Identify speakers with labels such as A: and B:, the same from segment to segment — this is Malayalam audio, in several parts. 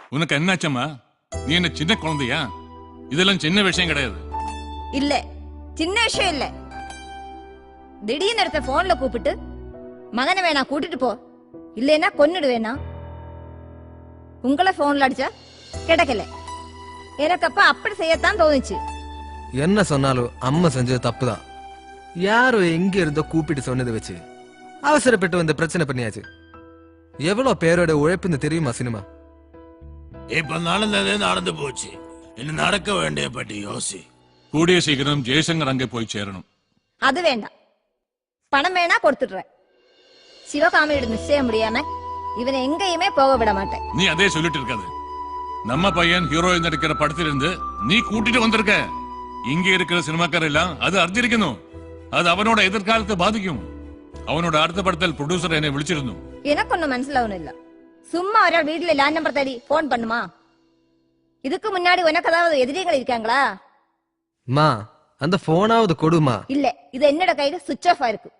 A: உனக்கு என்னாச்சம்மா? நீ என்ன சின்ன குழந்தையா? இதெல்லாம் சின்ன விஷயம் கிடையாது.
B: இல்ல சின்ன விஷயம் இல்ல. திடீர்னு எடுத்த போன்ல கூப்பிட்டு மகனை வேணா கூட்டிட்டு போ, இல்லைன்னா கொன்னுடுவேனா. உங்களை போன்ல அடிச்சா கிடைக்கல. எனக்கு அப்ப அப்படி செய்யத்தான் தோணுச்சு.
C: என்ன சொன்னாலும் அம்மா செஞ்சது தப்புதான். யாரோ எங்க இருந்தோ கூப்பிட்டு சொன்னதை வச்சு அவசரப்பட்டு வந்து பிரச்சனை பண்ணியாச்சு. எவ்வளவு பேரோட உழைப்புன்னு தெரியுமா சினிமா?
D: இப்ப நடந்ததே நடந்து போச்சு. இன்னும் நடக்க வேண்டிய பற்றி யோசி.
A: கூடிய சீக்கிரம் ஜெயசங்கர் அங்கே போய் சேரணும்.
B: அது வேண்டாம், பணம் வேணா கொடுத்துடுறேன். சிவகாமியோட நிச்சயம் முடியாம இவனை எங்கேயுமே போக விட மாட்டேன்.
A: நீ அதே சொல்லிட்டு இருக்காது. நம்ம பையன் ஹீரோயின் நடிக்கிற படத்திலிருந்து நீ கூட்டிட்டு வந்திருக்க. இங்க இருக்கிற சினிமாக்கார எல்லாம் அது அறிஞ்சிருக்கணும். அது அவனோட எதிர்காலத்தை பாதிக்கும். அவனோட அடுத்த படத்தில் ப்ரொடியூசர் என்னை விളിച്ചിരുന്നു.
B: எனக்கு ஒன்னும் മനസ്സിലാവുന്നില്ല. சும்மா ஒரு வீட்டுல லேண்ட் நம்பர் தேடி போன் பண்ணுமா? இதுக்கு முன்னாடி உனக்கு ஏதாவது எதிரிகள் இருக்காங்களா?
C: மா அந்த போனாவது கொடுமா.
B: இல்ல, இது என்னோட கையில சுவிட்ச் ஆஃப் ஆயிருக்கு.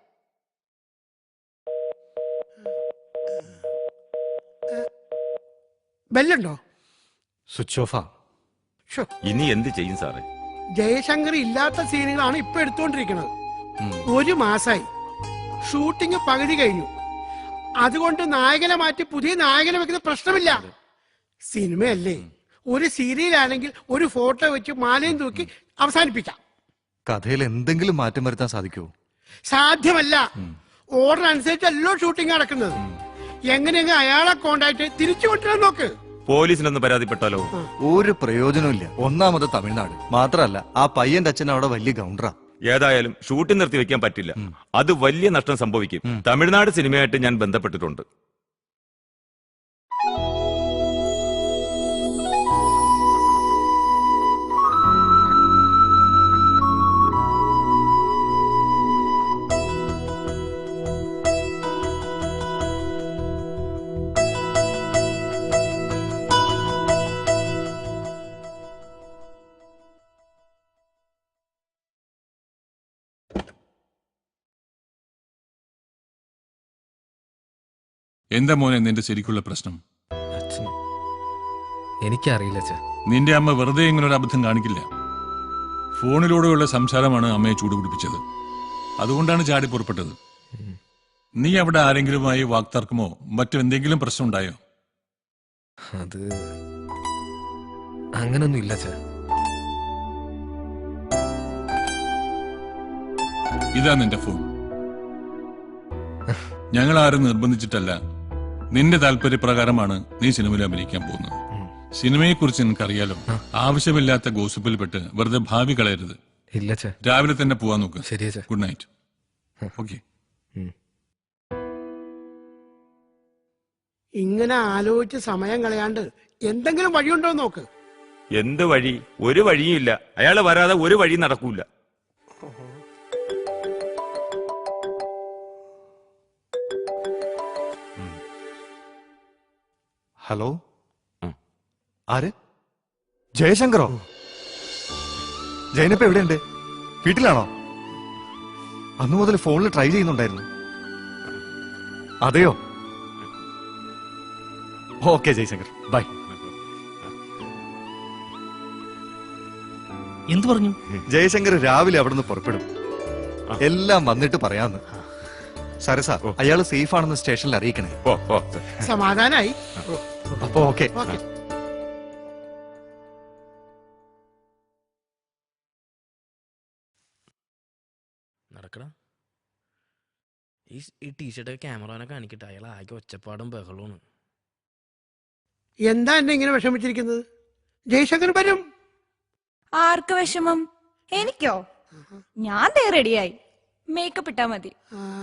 E: ബെല്ലുണ്ടോ?
F: സ്വിച്ച് ഓഫാ.
G: ഇനി എന്ത് ചെയ്യും സാറേ?
E: ജയശങ്കർ ഇല്ലാത്ത സീനുകളാണ് ഇപ്പൊ എടുത്തുകൊണ്ടിരിക്കുന്നത്. 1 മാസമായി ഷൂട്ടിംഗ് പകുതി കഴിഞ്ഞു. അതുകൊണ്ട് നായകനെ മാറ്റി പുതിയ നായകനെ വെക്കുന്ന പ്രശ്നമില്ല. സിനിമയല്ലേ, ഒരു സീരിയലാണെങ്കിൽ ഒരു ഫോട്ടോ വെച്ച് മാലയും തൂക്കി അവസാനിപ്പിക്കാം.
F: കഥയിൽ എന്തെങ്കിലും മാറ്റം വരുത്താൻ സാധിക്കുമോ?
E: സാധ്യമല്ല. ഓർഡർ അനുസരിച്ചല്ലോ ഷൂട്ടിംഗ് നടക്കുന്നത്. എങ്ങനെയെങ്കിലും അയാളെ കോണ്ടാക്ട് തിരിച്ചു കൊണ്ടുവരാൻ നോക്ക്.
G: പോലീസിനൊന്ന് പരാതിപ്പെട്ടാലോ?
F: ഒരു പ്രയോജനമില്ല. ഒന്നാമത് തമിഴ്നാട് മാത്രല്ല, ആ പയ്യന്റെ അച്ഛൻ അവിടെ വലിയ ഗൗണ്ടറാ.
G: ഏതായാലും ഷൂട്ടിംഗ് നിർത്തി വെക്കാൻ പറ്റില്ല. അത് വലിയ നഷ്ടം സംഭവിക്കും. തമിഴ്നാട് സിനിമയായിട്ട് ഞാൻ ബന്ധപ്പെട്ടിട്ടുണ്ട്.
A: എന്താ മോനെ നിന്റെ ശരിക്കുള്ള പ്രശ്നം?
C: എനിക്കറിയില്ല.
A: നിന്റെ അമ്മ വെറുതെ ഇങ്ങനൊരു അബദ്ധം കാണിക്കില്ല. ഫോണിലൂടെയുള്ള സംസാരമാണ് അമ്മയെ ചൂടുപിടിപ്പിച്ചത്. അതുകൊണ്ടാണ് ചാടി പുറപ്പെട്ടത്. നീ അവിടെ ആരെങ്കിലുമായി വാക്തർക്കമോ മറ്റെന്തെങ്കിലും പ്രശ്നം ഉണ്ടായോ?
C: അത് അങ്ങനൊന്നും ഇല്ല.
A: ഇതാ നിന്റെ ഫോൺ. ഞങ്ങൾ ആരും നിർബന്ധിച്ചിട്ടല്ല. നിന്റെ താല്പര്യപ്രകാരമാണ് നീ സിനിമയിൽ അഭിനയിക്കാൻ പോകുന്നത്. സിനിമയെ കുറിച്ച് നിനക്കറിയാലോ. ആവശ്യമില്ലാത്ത ഗോസിപ്പിൽ പെട്ട് വെറുതെ ഭാവി കളയരുത്.
C: ഇല്ല.
A: രാവിലെ തന്നെ പോവാൻ നോക്ക്.
C: ശരിയാ.
A: Good night. ഓക്കെ.
E: ഇങ്ങനെ ആലോചിച്ച് സമയം കളയാണ്ട് എന്തെങ്കിലും വഴിയുണ്ടോ നോക്ക്.
G: എന്ത് വഴി? ഒരു വഴിയും ഇല്ല. അയാള് വരാതെ ഒരു വഴി നടക്കൂല.
F: ഹലോ, ആര്? ജയശങ്കറോ? ജയനപ്പ എവിടെയുണ്ട്? വീട്ടിലാണോ? അന്നു മുതൽ ഫോണിൽ ട്രൈ ചെയ്യുന്നുണ്ടായിരുന്നു. അതെയോ? Okay Jayashankar, bye.
H: എന്തു പറഞ്ഞു?
F: ജയശങ്കർ രാവിലെ അവിടെ നിന്ന് പുറപ്പെടും. എല്ലാം വന്നിട്ട് പറയാന്ന്. സരസ, അയാള് സേഫ് ആണെന്ന് സ്റ്റേഷനിൽ അറിയിക്കണേ.
E: സമാധാനായി.
F: അപ്പൊ ഓക്കെ.
H: നടക്കടാ. ഈ ടീഷർട്ടൊക്കെ ക്യാമറനെ കാണിക്കട്ടെ. അയാൾ ആകെ ഒച്ചപ്പാടും ബഹളമാണ്.
E: എന്താ എന്നെ ഇങ്ങനെ വിഷമിച്ചിരിക്കുന്നത്? ജയശങ്കർ വരും.
I: ആർക്ക് വിഷമം? എനിക്കോ? ഞാൻ ദേ റെഡിയായി. മേക്കപ്പ് ഇട്ടാ മതി.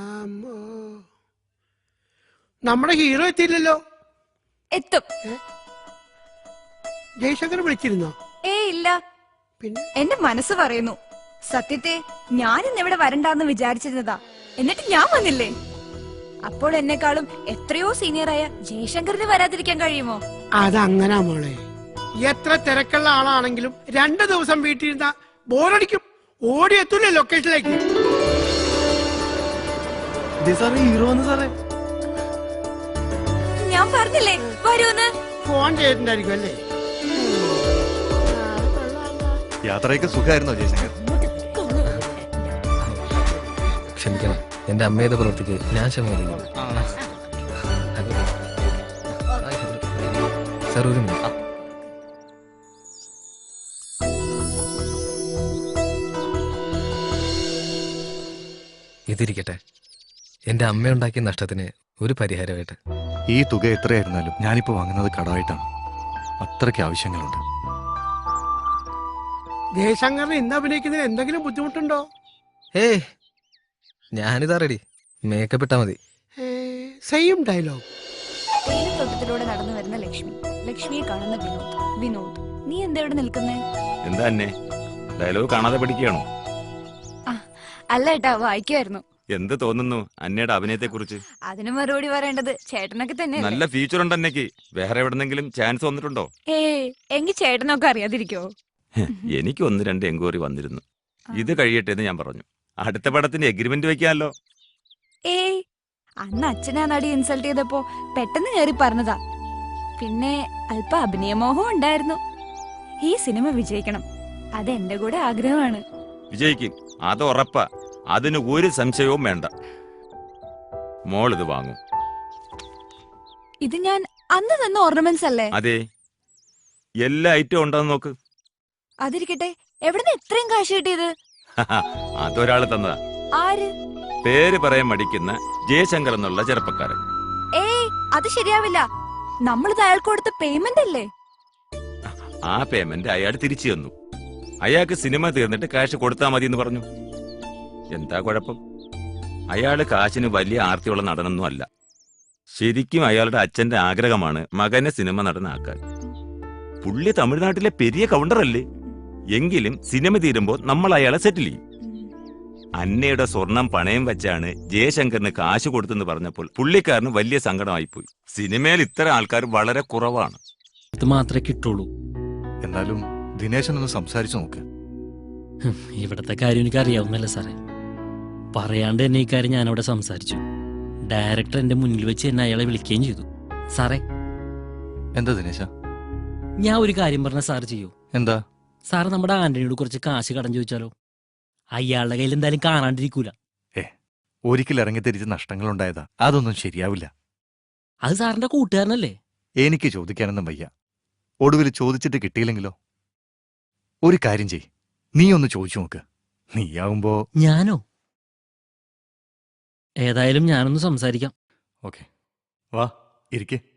E: നമ്മുടെ ഹീറോ എത്തിയില്ലല്ലോ.
I: എത്തും.
E: ജയശങ്കർ വിളിച്ചിരുന്നോ?
I: ഇല്ല.
E: പിന്നെ
I: എന്റെ മനസ്സ് പറയുന്നു. സത്യത്തെ ഞാൻ ഇന്നിവിടെ വരണ്ടാന്ന് വിചാരിച്ചിരുന്നതാ. എന്നിട്ട് ഞാൻ വന്നില്ലേ? അപ്പോൾ എന്നെക്കാളും എത്രയോ സീനിയറായ ജയശങ്കറിന് വരാതിരിക്കാൻ കഴിയുമോ?
E: അതങ്ങനാ മോളെ. എത്ര തിരക്കുള്ള ആളാണെങ്കിലും 2 ദിവസം വീട്ടിലിരുന്ന ബോറടിക്കും. ഓടിയെത്തൂലേ ലൊക്കേഷനിലേക്ക്.
C: ഹീറോ സാറേ,
I: ഞാൻ പറഞ്ഞില്ലേ വരൂന്ന്.
E: ഫോൺ ചെയ്തിട്ടുണ്ടായിരിക്കും അല്ലേ?
F: യാത്രയൊക്കെ സുഖമായിരുന്നോ ജയശങ്കർ?
C: ക്ഷമിക്കണം, എന്റെ അമ്മയുടെ പ്രവൃത്തിക്ക് ഞാൻ ക്ഷമിക്കുന്നു. സാർ ഒരു മിനിറ്റ്. ഇതിരിക്കട്ടെ, എന്റെ അമ്മ ഉണ്ടാക്കിയ നഷ്ടത്തിന് ഒരു പരിഹാരമായിട്ട്.
F: ഈ തുക എത്രയായിരുന്നാലും ഞാനിപ്പോ വാങ്ങുന്നത് കടമായിട്ടാണ്. അത്രയ്ക്ക് ആവശ്യങ്ങളുണ്ട്.
E: ജയശങ്കറിന് ഇന്ന് അഭിനയിക്കുന്നതിന് എന്തെങ്കിലും ബുദ്ധിമുട്ടുണ്ടോ?
C: ഏയ്, ഞാനിതാ റെഡി. മേക്കപ്പ് ഇട്ടാ മതി.
E: Same dialogue.
I: തേയിലത്തോട്ടത്തിലൂടെ നടന്നു വരുന്ന ലക്ഷ്മി, ലക്ഷ്മിയെ കാണുന്ന വിനോദ്. വിനോദ്, നീ എന്താ ഇവിടെ നിൽക്കുന്നേ?
G: എന്താ അന്നെ ഡയലോഗ് കാണാതെ പഠിക്കുകയാണോ?
I: അല്ല ഏട്ടാ, വായിക്കുമായിരുന്നു.
G: എന്ത് തോന്നുന്നു അന്നയുടെ അഭിനയത്തെ കുറിച്ച്?
I: അതിന് മറുപടി പറയേണ്ടത് ചേട്ടനൊക്കെ തന്നെ.
G: നല്ല ഫ്യൂച്ചർ ഉണ്ട് അന്നയ്ക്ക്. വേറെ എവിടെന്നെങ്കിലും ചാൻസ് വന്നിട്ടുണ്ടോ?
I: എങ്കിൽ ചേട്ടനൊക്കെ അറിയാതിരിക്കോ?
G: എനിക്ക് 1-2 എൻക്വയറി വന്നിരുന്നു. ഇത് കഴിയട്ടെ എന്ന് ഞാൻ പറഞ്ഞു. അടുത്ത പടത്തിന്റെ എഗ്രിമെന്റ് വെക്കാമല്ലോ.
I: അന്ന് അച്ഛനാ നടി ഇൻസൾട്ട് ചെയ്തപ്പോ പെട്ടെന്ന് കയറി പറഞ്ഞതാ. പിന്നെ അല്പ അഭിനയമോഹം ഉണ്ടായിരുന്നു. ഈ സിനിമ വിജയിക്കണം, അത് എന്റെ കൂടെ ആഗ്രഹമാണ്.
G: വിജയിക്കും, അത് ഉറപ്പാ. അതിന് ഒരു സംശയവും വേണ്ട. മോൾ ഇത് വാങ്ങും.
I: ഇത് ഞാൻ അന്ന് തന്ന ഓർണമെന്റ്സ് അല്ലേ?
G: അതെ, എല്ലാ ഐറ്റവും ഉണ്ടെന്ന് നോക്ക്.
I: അതിരിക്കട്ടെ, എവിടുന്ന് ഇത്രയും കാശ് കിട്ടിയത്?
G: അതൊരാള് തന്നതാ.
I: ആര്?
G: പേര് പറയാൻ മടിക്കുന്ന ജയശങ്കർ എന്നുള്ള ചെറുപ്പക്കാരൻ.
I: അത് ശരിയാവില്ല. നമ്മളിത് അയാൾക്ക് കൊടുത്ത പേയ്മെന്റ് അല്ലേ?
G: ആ പേയ്മെന്റ് അയാൾ തിരിച്ചു തന്നു. അയാൾക്ക് സിനിമ തീർന്നിട്ട് കാശ് കൊടുത്താൽ മതി എന്ന് പറഞ്ഞു. എന്താ കുഴപ്പം? അയാള് കാശിന് വലിയ ആർത്തിയുള്ള നടനൊന്നും അല്ല. ശരിക്കും അയാളുടെ അച്ഛന്റെ ആഗ്രഹമാണ് മകനെ സിനിമ നടനാക്കാൻ. പുള്ളി തമിഴ്നാട്ടിലെ പെരിയ കൗണ്ടറല്ലേ? എങ്കിലും സിനിമ തീരുമ്പോ നമ്മൾ അയാളെ സെറ്റിൽ ചെയ്യും. അന്നയുടെ സ്വർണം പണയം വെച്ചാണ് ജയശങ്കറിന് കാശ് കൊടുത്തെന്ന് പറഞ്ഞപ്പോൾ പുള്ളിക്കാരന് വലിയ സങ്കടമായിപ്പോയി. സിനിമയിൽ ഇത്തരം ആൾക്കാർ വളരെ കുറവാണ്.
H: ഇത് മാത്രമേ കിട്ടുള്ളൂ.
F: എന്നാലും ദിനേശനൊന്ന് സംസാരിച്ചു നോക്ക്.
H: ഇവിടത്തെ കാര്യം എനിക്ക് അറിയാവുന്നല്ലേ സാറേ. പറയാണ്ട് തന്നെ ഈ കാര്യം ഞാനവിടെ സംസാരിച്ചു. ഡയറക്ടർ എന്റെ മുന്നിൽ വെച്ച് എന്നെ അയാളെ വിളിക്കുകയും ചെയ്തു. സാറേ,
F: എന്താ ദിനേശ?
H: ഞാൻ ഒരു കാര്യം പറഞ്ഞ സാർ ചെയ്യൂ?
F: എന്താ?
H: സാറ് നമ്മുടെ ആന്റണിയോട് കുറച്ച് കാശ് കടം ചോദിച്ചാലോ? അയാളുടെ കയ്യിൽ എന്തായാലും കാണാണ്ടിരിക്കൂല.
F: ഒരിക്കൽ ഇറങ്ങിത്തിരിച്ച് നഷ്ടങ്ങൾ ഉണ്ടായതാ. അതൊന്നും ശരിയാവില്ല.
H: അത് സാറിന്റെ കൂട്ടുകാരനല്ലേ?
F: എനിക്ക് ചോദിക്കാനൊന്നും വയ്യ. ഒടുവിൽ ചോദിച്ചിട്ട് കിട്ടിയില്ലെങ്കിലോ? ഒരു കാര്യം ചെയ്, നീ ഒന്ന് ചോദിച്ചു നോക്ക്. നീയാവുമ്പോ.
H: ഞാനോ? ഏതായാലും ഞാനൊന്ന് സംസാരിക്കാം.
F: ഓക്കെ, വാ ഇരിക്കേ.